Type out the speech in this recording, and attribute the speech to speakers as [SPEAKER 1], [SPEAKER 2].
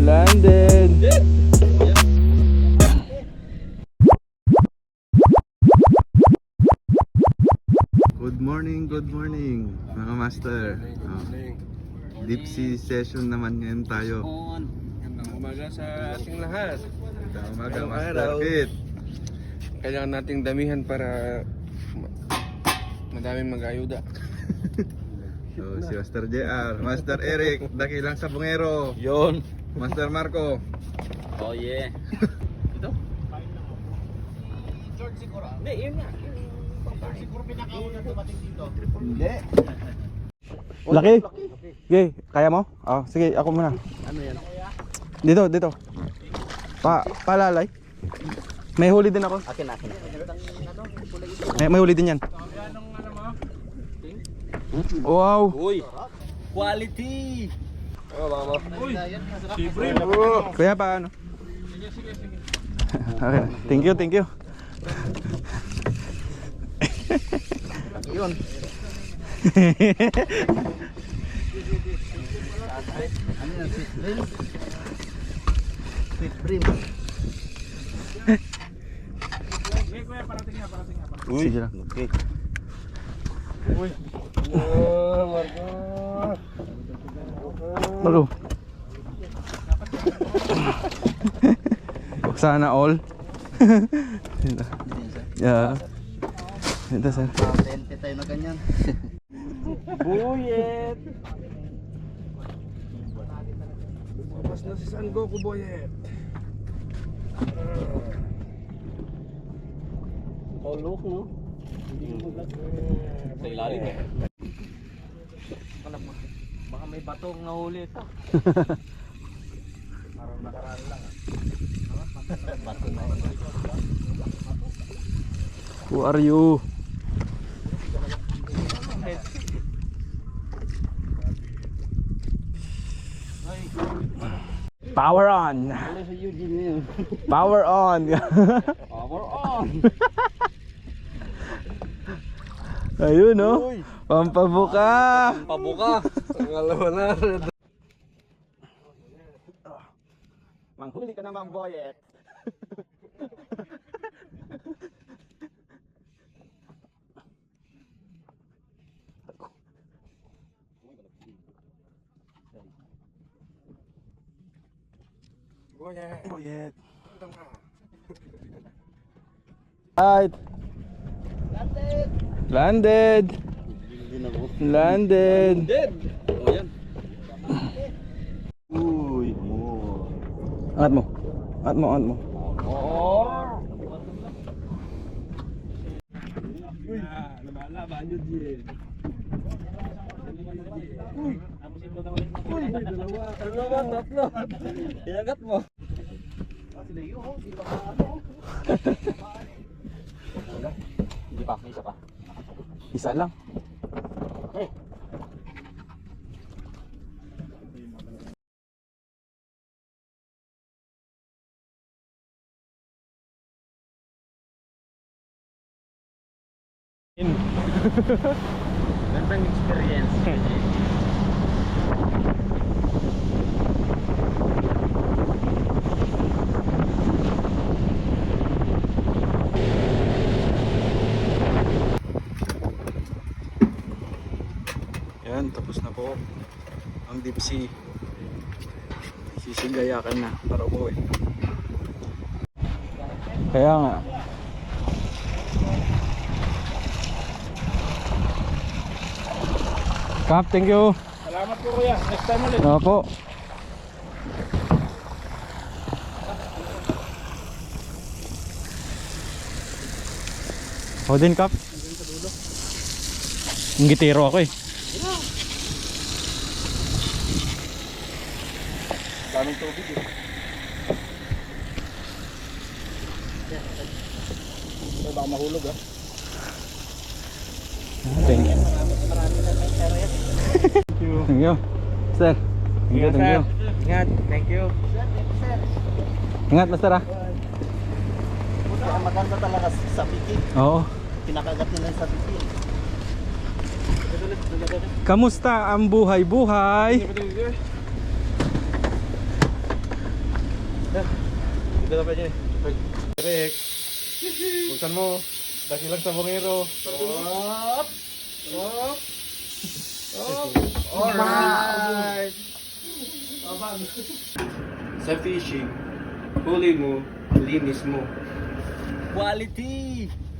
[SPEAKER 1] Landed. Good morning mga master. Deep sea session naman ngayon tayo.
[SPEAKER 2] Magandang umaga sa ating lahat.
[SPEAKER 1] Magandang umaga,
[SPEAKER 2] Ngayong
[SPEAKER 1] Master
[SPEAKER 2] araw,
[SPEAKER 1] Kit.
[SPEAKER 2] kailangan nating damihan para madaming mag-ayuda.
[SPEAKER 1] So, si Master JR, Master Eric, dakilang sabungero.
[SPEAKER 2] Yon.
[SPEAKER 1] Master Marco.
[SPEAKER 2] Oh yeah. Ito? George siguro. Hindi, yun nga. Siguro pinakauna dumating dito.
[SPEAKER 1] Hindi. Laki. Okay, kaya mo? Oh, sige, ako muna.
[SPEAKER 2] Ano yan?
[SPEAKER 1] Dito. Palalay. May huli din ako.
[SPEAKER 2] Akin.
[SPEAKER 1] May huli din yan. Wow.
[SPEAKER 2] Uy. Quality. Oh, baka Uy. Libre.
[SPEAKER 1] Kaya pa ano? Sige. Okay. Thank you.
[SPEAKER 2] Yun. Ano yan? Sweet dream.
[SPEAKER 1] Uy. Sige lang.
[SPEAKER 2] Okay. Uy.
[SPEAKER 1] Marco. Sana all. Yeah. Ito sir.
[SPEAKER 2] Patente tayo na ganyan. Buyet. Lumabas na si San Goku, Buyet. Look, no? Sa ilalim eh. Baka may batong nahuli ito. Parang nakaraan lang ah. Bato na yun.
[SPEAKER 1] Who are you? Power on. Power on.
[SPEAKER 2] Power on.
[SPEAKER 1] Ayun no. Pampabuka.
[SPEAKER 2] Pabuka. Ang alaman na.
[SPEAKER 1] Manghuli ka naman, Boyet. Boyet. Right. Landed.
[SPEAKER 2] Dead. Oh yan.
[SPEAKER 1] Uy. Angat mo.
[SPEAKER 2] Uy. Lumalaban yun din. Uy. Uy. Dalawa, tatlo. Iagat mo.
[SPEAKER 1] Hindi pa, isa pa. Isa lang.
[SPEAKER 2] Gandang experience.
[SPEAKER 1] Yan, tapos na po ang deep sea. Sisigayakan na para umuwi. Kaya nga. Kap, thank you.
[SPEAKER 2] Salamat po kuya. Next time ulit.
[SPEAKER 1] Opo. Ako din, Kap. Ang gitero ako eh.
[SPEAKER 2] Daming tubig eh. So, baka mahulog ah.
[SPEAKER 1] Thank you. Thank you. Sir. Thank you.
[SPEAKER 2] Ingat. Thank you.
[SPEAKER 1] Ingat, Master ah.
[SPEAKER 2] Kaya maganda talaga sa piki.
[SPEAKER 1] Oo.
[SPEAKER 2] Pinakagat nila sa piki.
[SPEAKER 1] Kamusta ang buhay-buhay?
[SPEAKER 3] Dito na pa niya. Rex. Buksan mo. Daki lang sa bongero.
[SPEAKER 2] Up! Up!
[SPEAKER 3] Alright! Sa fishing, huli mo, linis mo. Quality!